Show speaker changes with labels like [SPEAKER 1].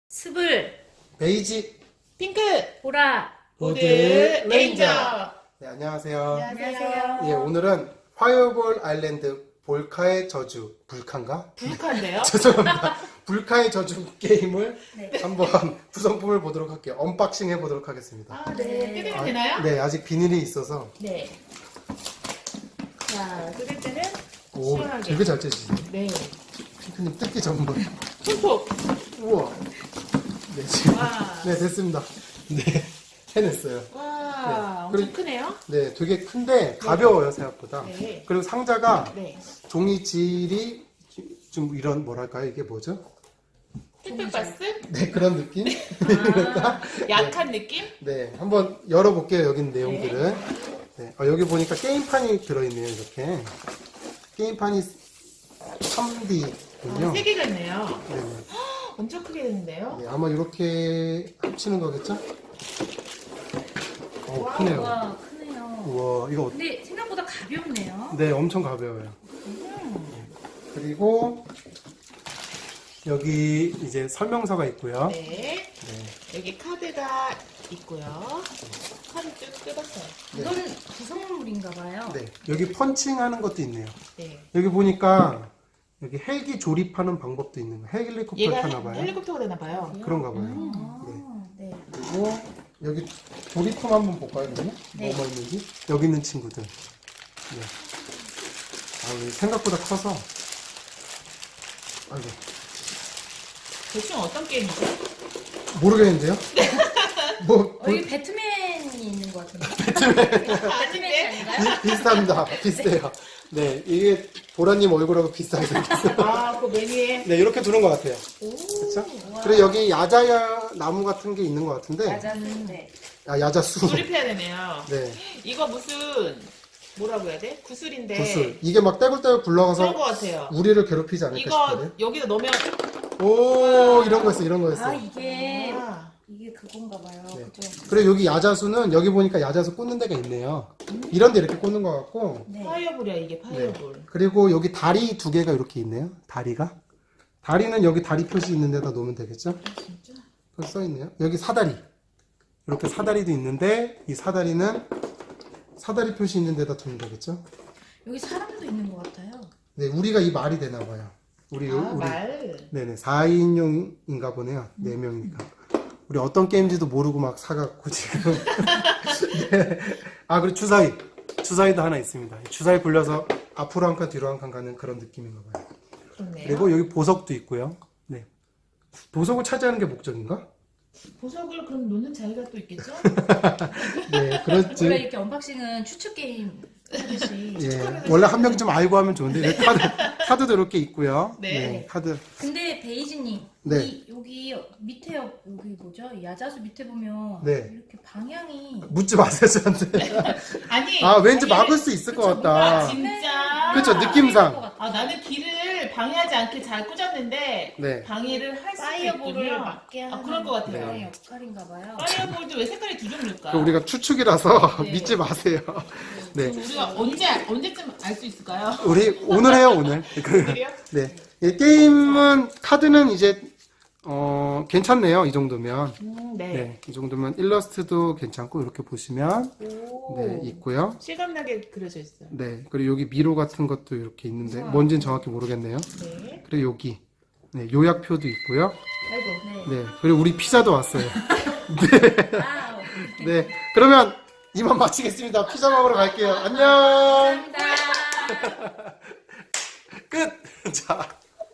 [SPEAKER 1] 스불,
[SPEAKER 2] 베이지,
[SPEAKER 3] 핑크,
[SPEAKER 1] 보라.
[SPEAKER 2] 보드,
[SPEAKER 3] 레인저.
[SPEAKER 2] 레인저. 네, 안녕하세요.
[SPEAKER 3] 안녕하세요.
[SPEAKER 2] 예, 오늘은 파이어볼 아일랜드 볼카의 저주, 불카인가?
[SPEAKER 3] 불칸데요?
[SPEAKER 2] 죄송합니다. 불카의 저주 게임을
[SPEAKER 1] 네.
[SPEAKER 2] 한번 구성품을 보도록 할게요. 언박싱 해보도록 하겠습니다.
[SPEAKER 3] 아, 네. 뜯으면 되나요?
[SPEAKER 2] 네, 아직 비닐이 있어서.
[SPEAKER 3] 네. 자, 뜯을 때는
[SPEAKER 2] 오,
[SPEAKER 3] 시원하게.
[SPEAKER 2] 되게 잘 째시네.
[SPEAKER 3] 네.
[SPEAKER 2] 핑크님 뜯기 전문.
[SPEAKER 3] 손톱.
[SPEAKER 2] 우와. 네, 지금.
[SPEAKER 3] 와.
[SPEAKER 2] 네, 됐습니다. 네, 해냈어요.
[SPEAKER 3] 와, 엄청
[SPEAKER 2] 그리고-
[SPEAKER 3] 크네요.
[SPEAKER 2] 네, 되게 큰데 가벼워요, 생각보다.
[SPEAKER 3] 네.
[SPEAKER 2] 그리고 상자가
[SPEAKER 3] 네.
[SPEAKER 2] 종이 질이 좀 이런 뭐랄까요? 이게 뭐죠?
[SPEAKER 3] 햇빛바스?
[SPEAKER 2] 네, 그런 느낌?
[SPEAKER 3] 아, 약한 느낌?
[SPEAKER 2] 네, 한번 열어볼게요. 여기 있는 내용들은. 네, 여기 보니까 게임판이 들어있네요. 이렇게 게임판이 3D군요.
[SPEAKER 3] 아, 세 개가 있네요.
[SPEAKER 2] 네,
[SPEAKER 3] 엄청 크게 됐는데요.
[SPEAKER 2] 네, 아마 이렇게 합치는 거겠죠? 크네요.
[SPEAKER 1] 와, 크네요.
[SPEAKER 2] 우와, 이거
[SPEAKER 1] 근데 생각보다 가볍네요.
[SPEAKER 2] 네, 엄청 가벼워요. 그리고 여기 이제 설명서가 있고요.
[SPEAKER 3] 네.
[SPEAKER 2] 네.
[SPEAKER 3] 여기 카드가 있고요. 카드 쭉 뜯었어요.
[SPEAKER 1] 이건 구성물인가 봐요.
[SPEAKER 2] 네, 여기 펀칭하는 것도 있네요.
[SPEAKER 3] 네.
[SPEAKER 2] 여기 보니까 여기 헬기 조립하는 방법도 있는 거예요. 헬리콥터
[SPEAKER 3] 얘가
[SPEAKER 2] 타나 봐요.
[SPEAKER 3] 헬리콥터가 되나 봐요.
[SPEAKER 2] 그런가 봐요.
[SPEAKER 1] 아, 네.
[SPEAKER 2] 그리고 여기 조립품 한번 볼까요, 그러면?
[SPEAKER 1] 네.
[SPEAKER 2] 뭐뭐 있는지? 여기 있는 친구들. 네. 아, 이게 생각보다 커서. 아이고,
[SPEAKER 3] 대충 어떤 게임이죠?
[SPEAKER 2] 모르겠는데요? 뭐,
[SPEAKER 1] 여기 배트맨이 있는 것 같은데. 배트맨이 아닌가요?
[SPEAKER 2] 비슷합니다. 비슷해요. 네, 이게 보라님 얼굴하고 비슷하게 생겼어요.
[SPEAKER 3] 아, 그 메뉴에.
[SPEAKER 2] 네, 이렇게 두는 것 같아요.
[SPEAKER 3] 오.
[SPEAKER 2] 그렇죠?
[SPEAKER 1] 와.
[SPEAKER 2] 그리고 여기 야자야 나무 같은 게 있는 것 같은데.
[SPEAKER 1] 맞았는데.
[SPEAKER 2] 아, 야자수.
[SPEAKER 3] 조립해야 되네요.
[SPEAKER 2] 네,
[SPEAKER 3] 이거 무슨 뭐라고 해야 돼? 구슬인데.
[SPEAKER 2] 구슬. 이게 막 떼굴떼굴
[SPEAKER 3] 그런
[SPEAKER 2] 굴러가서
[SPEAKER 3] 거 같아요.
[SPEAKER 2] 우리를 괴롭히지 않을까
[SPEAKER 3] 이거
[SPEAKER 2] 싶거든요.
[SPEAKER 3] 여기다 넣으면
[SPEAKER 2] 오, 이런 거였어, 이런 거였어.
[SPEAKER 1] 아, 이게
[SPEAKER 3] 아,
[SPEAKER 1] 그건가 봐요.
[SPEAKER 2] 네.
[SPEAKER 1] 그죠?
[SPEAKER 2] 그리고 여기 야자수는 여기 보니까 야자수 꽂는 데가 있네요. 이런 데 이렇게 꽂는 것 같고.
[SPEAKER 1] 네.
[SPEAKER 3] 파이어볼이야 이게 파이어볼.
[SPEAKER 2] 그리고 여기 다리 두 개가 이렇게 있네요. 다리가. 다리는 여기 다리 표시 있는 데다 놓으면 되겠죠?
[SPEAKER 3] 진짜?
[SPEAKER 2] 여기 써 있네요. 여기 사다리. 이렇게 사다리도 있는데 이 사다리는 사다리 표시 있는 데다 두면 되겠죠?
[SPEAKER 1] 여기 사람도 있는 것 같아요.
[SPEAKER 2] 네, 우리가 이 말이 되나 봐요. 우리
[SPEAKER 3] 아,
[SPEAKER 2] 우리
[SPEAKER 3] 말.
[SPEAKER 2] 네네 4인용인가 보네요. 4명이니까. 우리 어떤 게임인지도 모르고 막 사갖고 지금. 네. 아, 그리고 주사위도 하나 있습니다. 주사위 굴려서 앞으로 한 칸 뒤로 한 칸 가는 그런 느낌인가 봐요.
[SPEAKER 3] 그렇네요.
[SPEAKER 2] 그리고 여기 보석도 있고요. 네. 보석을 차지하는 게 목적인가?
[SPEAKER 3] 보석을 그럼 놓는 자리가 또 있겠죠?
[SPEAKER 2] 네, 그렇지.
[SPEAKER 1] 원래 이렇게 언박싱은 추측 게임 하듯이.
[SPEAKER 2] 예, 원래 한 명 좀 알고 하면 좋은데 여기 카드도 이렇게 있고요.
[SPEAKER 3] 네.
[SPEAKER 2] 카드.
[SPEAKER 1] 근데 베이지님,
[SPEAKER 2] 네.
[SPEAKER 1] 여기 밑에 여기 뭐죠? 야자수 밑에 보면
[SPEAKER 2] 네.
[SPEAKER 1] 이렇게 방향이
[SPEAKER 2] 묻지 마세요 저한테.
[SPEAKER 3] 아니.
[SPEAKER 2] 아, 왠지
[SPEAKER 3] 길을-
[SPEAKER 2] 막을 수 있을 것
[SPEAKER 3] 아,
[SPEAKER 2] 같다.
[SPEAKER 3] 진짜.
[SPEAKER 2] 그쵸, 느낌상.
[SPEAKER 3] 아, 나는 길을 방해하지 않게 잘 꽂았는데
[SPEAKER 2] 네.
[SPEAKER 3] 방해를 할 수도
[SPEAKER 1] 파이어볼을
[SPEAKER 3] 있군요.
[SPEAKER 1] 막게 하는
[SPEAKER 3] 아, 그럴 것 같아요.
[SPEAKER 1] 그런 역할인가 봐요.
[SPEAKER 3] 파이어볼도 왜 색깔이 두 종류일까?
[SPEAKER 2] 그 우리가 추측이라서
[SPEAKER 3] 네.
[SPEAKER 2] 믿지 마세요. 네.
[SPEAKER 3] 그럼 우리가 언제쯤 알 수 있을까요?
[SPEAKER 2] 우리 오늘 해요, 오늘.
[SPEAKER 3] 오늘이요?
[SPEAKER 2] 네. 이 게임은 카드는 이제 괜찮네요. 이 정도면.
[SPEAKER 3] 네.
[SPEAKER 2] 네. 이 정도면 일러스트도 괜찮고 이렇게 보시면
[SPEAKER 3] 오.
[SPEAKER 2] 네, 있고요.
[SPEAKER 3] 실감나게 그려져 있어요.
[SPEAKER 2] 네. 그리고 여기 미로 같은 것도 이렇게 있는데
[SPEAKER 3] 우와.
[SPEAKER 2] 뭔지는 정확히 모르겠네요.
[SPEAKER 3] 네.
[SPEAKER 2] 그리고 여기 네, 요약표도 있고요.
[SPEAKER 3] 아이고.
[SPEAKER 1] 네.
[SPEAKER 2] 네. 그리고 우리 피자도 왔어요.
[SPEAKER 1] 와우.
[SPEAKER 2] 네. 그러면 이만 마치겠습니다. 피자 먹으러 갈게요. 안녕.
[SPEAKER 1] 감사합니다.
[SPEAKER 2] 끝. 자.